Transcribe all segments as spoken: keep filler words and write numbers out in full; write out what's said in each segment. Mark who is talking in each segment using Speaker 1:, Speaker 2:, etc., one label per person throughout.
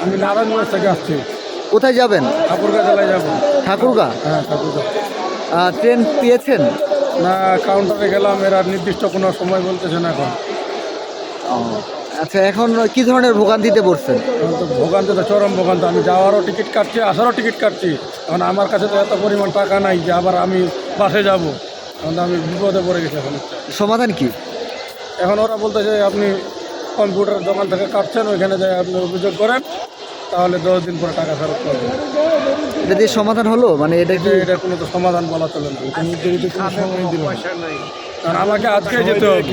Speaker 1: আমি নারায়ণগঞ্জ থেকে আসছি।
Speaker 2: কোথায় যাবেন?
Speaker 1: ঠাকুরগাঁ জেলায় যাবো।
Speaker 2: ঠাকুরগাঁ?
Speaker 1: হ্যাঁ, ঠাকুরগাঁ।
Speaker 2: আহ, ট্রেন পেয়েছেন?
Speaker 1: না, কাউন্টারে গেলাম, এরা নির্দিষ্ট কোনো সময় বলতেছে না এখন।
Speaker 2: আচ্ছা, এখন কি ধরনের ভোগান্তিতে পড়ছেন?
Speaker 1: এখন তো ভোগান্তি তো চরম ভোগান্তি। আমি যাওয়ারও টিকিট কাটছি, আসারও টিকিট কাটছি। এখন আমার কাছে তো এত পরিমাণ টাকা নাই যে আবার আমি বাসে যাব। এখন তো আমি বিপদে পড়ে গেছি এখন।
Speaker 2: সমাধান কি?
Speaker 1: এখন ওরা বলতেছে আপনি কম্পিউটার দোকান থেকে কাটছেন, ওইখানে যাই আপনি অভিযোগ করেন, তাহলে দশ দিন পরে টাকা ফেরত পাবেন।
Speaker 2: এটা দিয়ে সমাধান হলো? মানে এটা কি
Speaker 1: এটা কোনো তো সমাধান বলা চলে না। কারণ আমাকে আজকে যেতে হবে।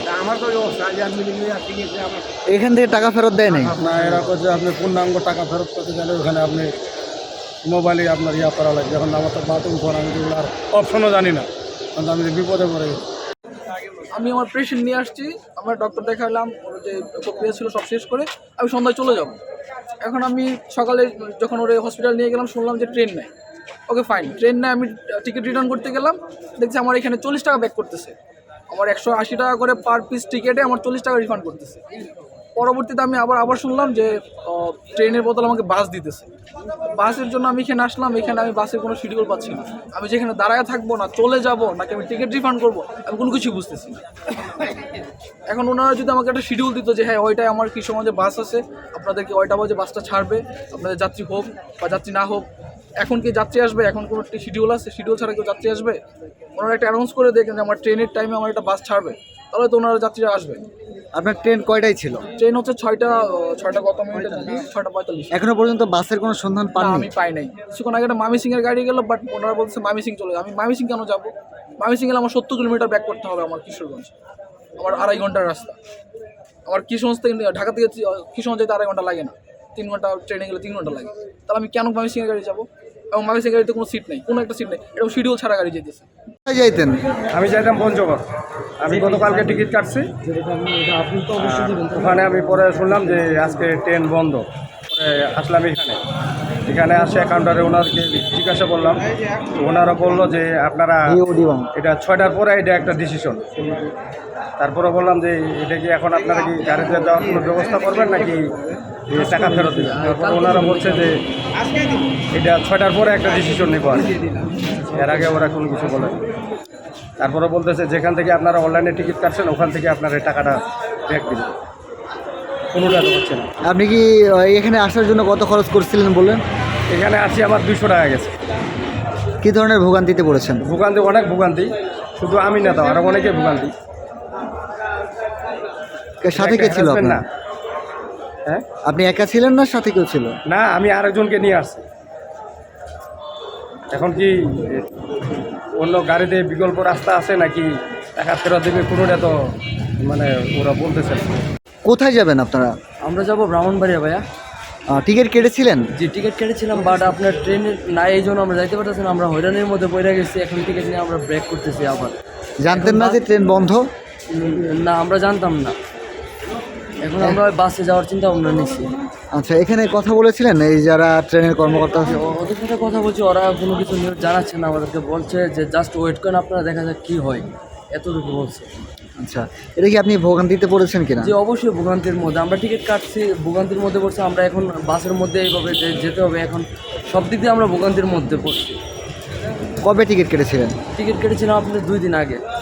Speaker 2: এখান থেকে টাকা ফেরত দেয় নাই?
Speaker 1: না, এরা করছে আপনি পূর্ণাঙ্গ টাকা ফেরত করতে গেলে ওখানে আপনি মোবাইলে আপনার ইয়া করা লাগবে। এখন আমার তো বাথরুম ফোন, আমি যেগুলো আর অপশনও জানি না, কারণ আমি বিপদে পড়ে গেছি।
Speaker 3: আমি আমার পেশেন্ট নিয়ে আসছি, আমার ডক্টর দেখালাম, ওর যে প্রক্রিয়া ছিল সব শেষ করে আমি সন্ধ্যায় চলে যাব। এখন আমি সকালে যখন ওরে হসপিটাল নিয়ে গেলাম শুনলাম যে ট্রেন নেয়। ওকে ফাইন, ট্রেন নেয়। আমি টিকিট রিটার্ন করতে গেলাম, দেখছি আমার এখানে চল্লিশ টাকা ব্যাক করতেছে। আমার একশো আশি টাকা করে পার পিস টিকিটে আমার চল্লিশ টাকা রিফান্ড করতেছে। পরবর্তীতে আমি আবার আবার শুনলাম যে ট্রেনের বদলে আমাকে বাস দিতেছে। বাসের জন্য আমি এখানে আসলাম, এখানে আমি বাসের কোনো শিডিউল পাচ্ছি না। আমি যেখানে দাঁড়ায় থাকবো, না চলে যাব, নাকি আমি টিকিট রিফান্ড করবো, আমি কোনো কিছুই বুঝতেছি না। এখন ওনারা যদি আমাকে একটা শিডিউল দিত যে হ্যাঁ ওইটাই আমার কি সমাজে বাস আছে, আপনাদেরকে ওইটা বাজে বাসটা ছাড়বে, আপনাদের যাত্রী হোক বা যাত্রী না হোক। এখন কি যাত্রী আসবে? এখন কোনো একটি শিডিউল আছে? শিডিউল ছাড়া কেউ যাত্রী আসবে? ওনারা একটা অ্যানাউন্স করে দেখেন যে আমার ট্রেনের টাইমে আমার একটা বাস ছাড়বে, তাহলে তো ওনারা যাত্রীরা আসবে।
Speaker 2: আপনার ট্রেন কয়টায় ছিল?
Speaker 3: ট্রেন হচ্ছে ছয়টা ছয়টা কত মিনিটে জানি, ছয়টা পঁয়তাল্লিশ।
Speaker 2: এখনো পর্যন্ত বাসের কোনো সন্ধান
Speaker 3: না,
Speaker 2: পাননি?
Speaker 3: আমি পাই নাই। কিছুক্ষণ আগে একটা মামি সিং এর গাড়ি গেল, বাট ওনারা বলছে মামি সিং চলে। আমি মামি সিং কেন যাবো? মামি সিং গেলে আমার সত্তর কিলোমিটার ব্যাক করতে হবে আমার কিশোরগঞ্জ। আমার আড়াই ঘন্টার রাস্তা। আমার কিশোরগঞ্জ থেকে ঢাকা থেকে কিশোরগঞ্জ যেতে আড়াই ঘন্টা লাগে না, তিন ঘন্টা ট্রেনে গেলে তিন ঘন্টা লাগে। তাহলে আমি কেন মামি সিং এর গাড়ি যাবো? এবং মামি সিং গাড়িতে কোনো সিট নেই, কোনো একটা সিট নেই, এরকম শিডিউল ছাড়া গাড়ি যেতেছে।
Speaker 2: কোথায় যাইতেন?
Speaker 1: আমি যাইতাম পঞ্চগড়। আমি গতকালকে টিকিট কাটছি, ওখানে আমি পরে শুনলাম যে আজকে ট্রেন বন্ধ। পরে আসলাম এখানে, এখানে আসে কাউন্টারে ওনারকে জিজ্ঞাসা করলাম, ওনারা বললো যে আপনারা এটা ছয়টার পরে এটা একটা ডিসিশন। তারপরে বললাম যে এটা কি এখন আপনারা কি গাড়িতে যাওয়ার কোনো ব্যবস্থা করবেন নাকি টাকা ফেরত দেবেন? তারপরে ওনারা বলছে যে এটা ছয়টার পরে একটা ডিসিশন নেব আর কি। এর আগে ওরা কোনো কিছু বলে। তারপরে বলতেছে যেখান থেকে আপনারা অনলাইনে টিকিট কাটছেন ওখান থেকে আপনার এই টাকাটা ব্যাক দিবেন। কোনোটা তো হচ্ছে না।
Speaker 2: আপনি কি আহ, এখানে আসার জন্য কত খরচ করছিলেন বললেন?
Speaker 1: এখানে আসি আমার দুশো টাকা গেছে।
Speaker 2: কি ধরনের ভোগান্তিতে পড়েছেন?
Speaker 1: ভোগান্তি অনেক ভোগান্তি, শুধু আমি না তো আরও অনেকে ভোগান্তি।
Speaker 2: সাথে কে ছিল
Speaker 1: Harassment না।
Speaker 2: আপনার?
Speaker 1: হ্যাঁ,
Speaker 2: আপনি একা ছিলেন না সাথে কেউ ছিল?
Speaker 1: না, আমি আরেকজনকে নিয়ে আসছি। এখন কি অন্য গাড়িতে বিকল্প রাস্তা আছে নাকি টাকা ফেরত দেবে, কোনোটা তো মানে ওরা বলতেছে না।
Speaker 2: কোথায় যাবেন আপনারা?
Speaker 4: আমরা যাব ব্রাহ্মণবাড়িয়া ভাইয়া।
Speaker 2: আহ, টিকিট কেটেছিলেন?
Speaker 4: যে টিকিট কেটেছিলাম, বাট আপনার ট্রেনের না, এই জন্য আমরা যাইতে পারতেছি না। আমরা হয়রানির মধ্যে পড়ে গেছি, এখন টিকিট নিয়ে আমরা ব্রেক করতেছি আবার।
Speaker 2: জানতেন না যে ট্রেন বন্ধ?
Speaker 4: উম, না, আমরা জানতাম না। এখন আমরা বাসে যাওয়ার চিন্তা ভাবনা নিচ্ছি।
Speaker 2: আচ্ছা, এখানে কথা বলেছিলেন এই যারা ট্রেনের কর্মকর্তা আছে?
Speaker 4: ও- ওদের সাথে কথা বলছি, ওরা কোনো কিছু নিউজ জানাচ্ছে না আমাদেরকে। বলছে যে জাস্ট ওয়েট করেন আপনারা, দেখা যাক কী হয়, এতটুকু বলছে।
Speaker 2: আচ্ছা, এটা কি আপনি ভোগান্তিতে পড়েছেন কিনা?
Speaker 4: যে অবশ্যই ভোগান্তির মধ্যে আমরা টিকিট কাটছি, ভোগান্তির মধ্যে পড়ছে। আমরা এখন বাসের মধ্যে এইভাবে যে- যেতে হবে, এখন সব দিক দিয়ে আমরা ভোগান্তির মধ্যে পড়ছি।
Speaker 2: কবে টিকিট কেটেছিলেন?
Speaker 4: টিকিট কেটেছিলাম আপনার দুই দিন আগে।